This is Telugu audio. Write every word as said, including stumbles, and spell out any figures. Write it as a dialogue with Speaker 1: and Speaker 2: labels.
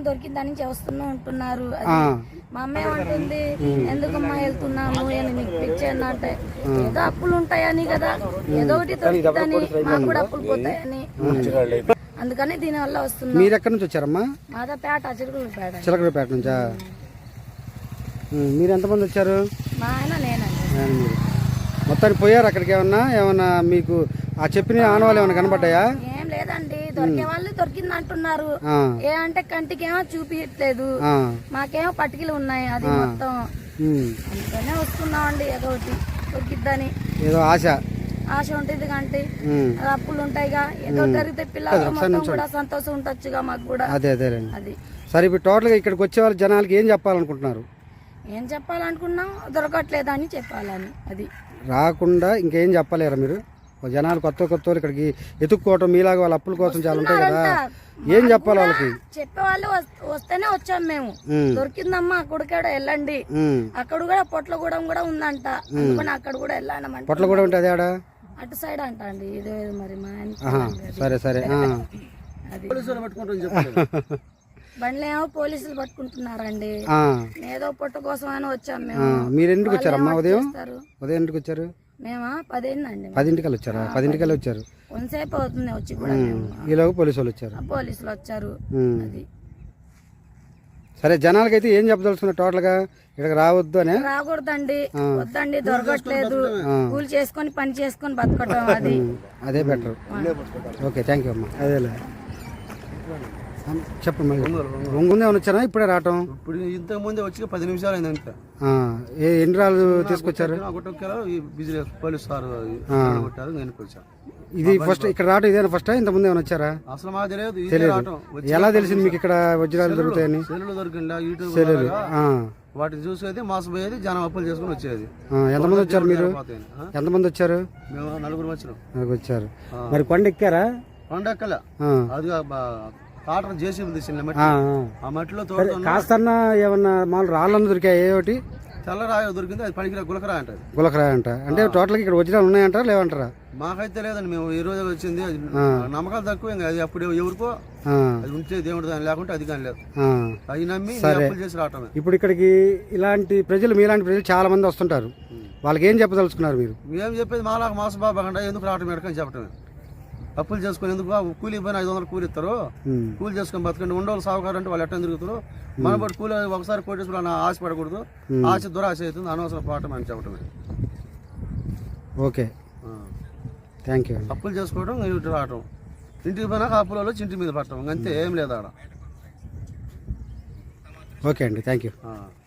Speaker 1: దొరికిందని చేస్తూనే ఉంటున్నారు. మా అమ్మ ఏమంటుంది, ఎందుకమ్మా వెళ్తున్నాము అని మీకు పిచ్చేయండి అంటే, ఏదో అప్పులు ఉంటాయని కదా, ఏదో ఒకటి దొరికిందని, మాకు కూడా అప్పులు పోతాయని, అందుకని దీని వల్ల వస్తున్నాం.
Speaker 2: మీరు ఎక్కడి నుంచి వచ్చారమ్మా?
Speaker 1: మాదా పేట, చిలకలపేట.
Speaker 2: చిలకలపేట నుంచా? మీరు ఎంతమంది వచ్చారు?
Speaker 1: మా ఆయన నేనండి.
Speaker 2: మొత్తానికి పోయారు అక్కడికి? ఏమన్నా ఏమన్నా మీకు ఆ చెప్పిన ఆనవాళ్ళు ఏమైనా కనబడ్డాయా?
Speaker 1: ఏం లేదండి, దొరికే వాళ్ళు దొరికింది అంటున్నారు. ఏ అంటే కంటికేమో చూపించట్లేదు, మాకేమో పట్టికలు ఉన్నాయి, అది మొత్తం. అందుకనే వస్తున్నామండి, ఏదో ఒకటి దొరికిద్దని ఏదో ఆశ ఆశ ఉంటుంది. కంటే అప్పులు ఉంటాయిగా, ఏదో జరిగితే పిల్లలు మొత్తం కూడా సంతోషం ఉండొచ్చుగా మాకు కూడా.
Speaker 2: అదే అదే అది. సరే, ఇప్పుడు టోటల్ గా ఇక్కడికి వచ్చే వాళ్ళ జనాలకి ఏం చెప్పాలనుకుంటున్నారు?
Speaker 1: ఏం చెప్పాలనుకున్నాం, దొరకట్లేదని చెప్పాలని. అది
Speaker 2: రాకుండా ఇంకేం చెప్పలేరా మీరు? జనాలు కొత్త కొత్త ఇక్కడికి ఎత్తుక్కోవటం మీలాగా వాళ్ళ అప్పుల కోసం చాలా ఉంటాయి కదా, ఏం చెప్పాలి వాళ్ళకి?
Speaker 1: చెప్పేవాళ్ళు వస్తేనే వచ్చాం మేము. దొరికిందమ్మా అక్కడికాడ వెళ్ళండి, అక్కడ కూడా పొట్లగూడెం కూడా ఉందంట, అందుకని అక్కడ కూడా వెళ్ళానమాట.
Speaker 2: పొట్లగూడెం అంటే అదేడా?
Speaker 1: అటు సైడ్ అంట అండి, ఇదే మరి మా
Speaker 2: సరే సరే.
Speaker 1: బండ్లు ఏమో పోలీసులు పట్టుకుంటున్నారండి, ఏదో పొట్ట కోసం అని వచ్చాం మేము.
Speaker 2: మీరు ఎందుకు వచ్చారమ్మా? ఉదయం ఉదయం ఎందుకు వచ్చారు?
Speaker 1: మేమా పదింటికి
Speaker 2: పదింటికల్ వచ్చారా? పదింటికల్ వచ్చారు,
Speaker 1: కొంతసేపు అవుతుంది వచ్చి కూడా.
Speaker 2: ఈలోగా పోలీసు వాళ్ళు వచ్చారు.
Speaker 1: పోలీసులు వచ్చారు. అది
Speaker 2: సరే, జనాలకైతే ఏం చెప్పదలుచుకున్నారు టోటల్ గా? ఇక్కడ రావద్దు అని?
Speaker 1: రాకూడదండి, వద్దండి, దొరకట్లేదు, కూలి చేసుకొని పని చేసుకొని బతకటం, అది
Speaker 2: అదే బెటర్. ఓకే, థ్యాంక్ యూ అమ్మా. అదేలే చెప్పండి. ఒంగుందే వచ్చారా ఇప్పుడే రావటం?
Speaker 3: ఇప్పుడు ఇంతకు ముందే వచ్చి పది నిమిషాలు అయింది అంతే.
Speaker 2: ఎన్ని రాళ్ళు తీసుకొచ్చారు?
Speaker 3: పోలీసు సార్ కొట్టారు, నేను వచ్చాను.
Speaker 2: ఇది ఫస్ట్ ఇక్కడ రావటం ఇదేనా ఫస్ట్? ఇంత ముందు ఏమైనా వచ్చారా?
Speaker 3: అసలు మాకు తెలియదు.
Speaker 2: తెలియదు. ఎలా తెలిసింది మీకు ఇక్కడ వజ్రాలు దొరుకుతాయని?
Speaker 3: సెల్లులు దొరికిందా, యూట్యూబ్ వాటిని చూసేది, మోసపోయేది, జనం అప్పులు చేసుకుని వచ్చేది.
Speaker 2: ఎంతమంది వచ్చారు మీరు? ఎంతమంది వచ్చారు?
Speaker 3: మేము నలుగురు వచ్చినాం.
Speaker 2: నలుగురు వచ్చారు. మరి కొండ ఎక్కారా?
Speaker 3: కొండ ఎక్కలే, అది కాటర్ జేసీబీ తీసిన మట్టి, ఆ మట్టిలో
Speaker 2: కాస్త ఏమన్నా మామూలు రాళ్ళన్న దొరికాయి? ఏ ఒకటి
Speaker 3: తెల్లరాయ దొరికింది, అది పనికిరా గులకరాయ అంటారు.
Speaker 2: గులకరాయ అంట అంటే టోటల్ ఇక్కడ వజ్రాలు ఉన్నాయంటారా లేవంటారా?
Speaker 3: మాకైతే లేదండి, మేము ఈ రోజు వచ్చింది. నమ్మకాలు తక్కువ, ఇంకా అది అప్పుడు ఎవరికో అది ఉంటే దేవుడు దాని లేకుంటే అది కానీ లేదు, అది నమ్మి అప్పులు చేసి రావటమే.
Speaker 2: ఇప్పుడు ఇక్కడికి ఇలాంటి ప్రజలు, మీలాంటి ప్రజలు చాలా మంది వస్తుంటారు, వాళ్ళకి ఏం చెప్పదలుచుకున్నారు మీరు?
Speaker 3: మేము చెప్పేది మాలాగా మోసబాబా ఎందుకు రావటం ఎడకని చెప్పటమే. అప్పులు చేసుకుని ఎందుకు, కూలి పోయిన ఐదు వందలు కూలి ఇస్తారు, కూలి చేసుకుని బతకండి. ఉండవాళ్ళు సాగుకారు అంటే వాళ్ళు ఎట్లా తిరుగుతారు, మన బట్టి కూలి ఒకసారి కోటేశ్వరం ఆశ పడకూడదు, ఆశ దురాశ అవుతుంది, అనవసరం పోవటం అని చెప్పటమే.
Speaker 2: Okay, thank you.
Speaker 3: అప్పులు చేసుకోవడం, ఇంటి రావటం, ఇంటికి పోయినాక అప్పులలో చింటి మీద పట్టడం, అంతే, ఏం లేదు ఆడ.
Speaker 2: ఓకే అండి, థ్యాంక్ యూ.